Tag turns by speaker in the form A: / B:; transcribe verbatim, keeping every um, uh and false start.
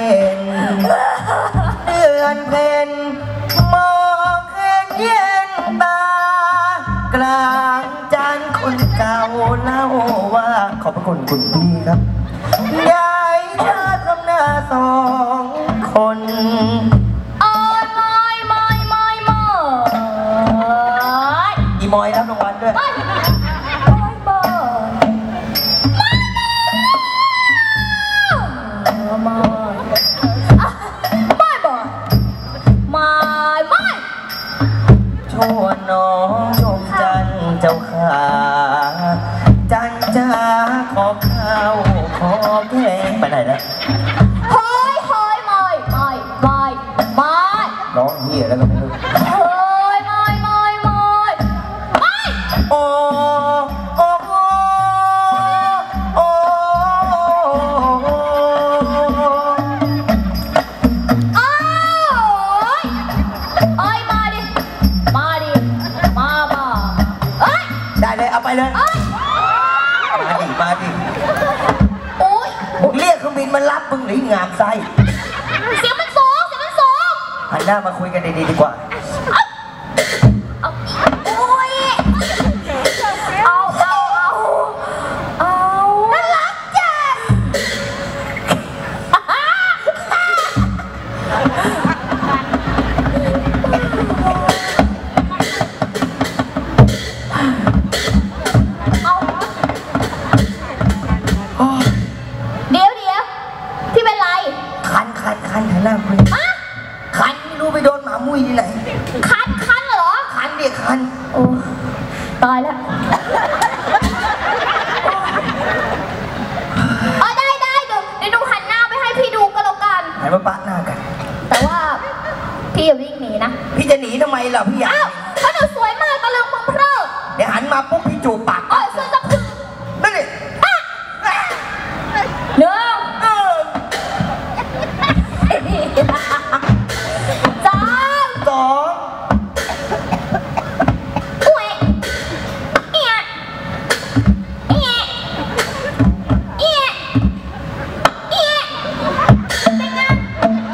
A: ห็นเดือนเพ็ญมองเห็นเย็นตากลางจันทร์คนเก่าเล่าว่าขอบพระคุณคุณพี่ครับยายเธอทำหน้าสองคน
B: โอ้ยมอยมอยมอยมอย
A: อีมอยรับรางวัลด้วยน้องชมจันเจ้าขาจันจ้าขอข้าวขอแกงไปไหนแล้ว
B: เฮ้ยเฮ้ยมอยมอยมอยมอย
A: น้องเหี้ยแล้วก็ไม่รู้
B: เฮ้ยมอยมอยมอยมอย
A: โอ้โอ้โอ้โอ้
B: โอ้ยโอ้ยมาดิมาดิมามาเอ้ย
A: ได้เลยเอาไปเลยมาดิมาดิ
B: โอ้ย
A: เรียกเครื่องบินมารับมึงหรืองามไส้
B: เสียงมันสูงเสียงมันสูง
A: หันหน้ามาคุยกันดีๆดีกว่า
B: โอ้ยเอาเอาเอาเอาน่ารักจังเดี๋ยวเดี๋ยวพี่เป็นไร
A: คันคันคันหันหน้าคุยคันไม่รู้ไปโดนหมามุ้ยที่ไหน
B: คันคันเหรอ
A: คันเด็กคัน
B: โอ้ตายแล้วอ๋อได้ได้เดี๋ยวเดี๋ยวดูหันหน้าไปให้พี่ดูก็แล้วกัน
A: ไหนมาปะหน้ากัน
B: แต่ว่าพี่อย่าวิ่งหนีนะ
A: พี่จะหนีทำไมล่ะพี่อยาก
B: อ้าวเพราะหนูสวยมากตะลึงมึงเพลิด
A: เดี๋ยวหันมาปุ๊บพี่จูบปาก
B: โอ้ย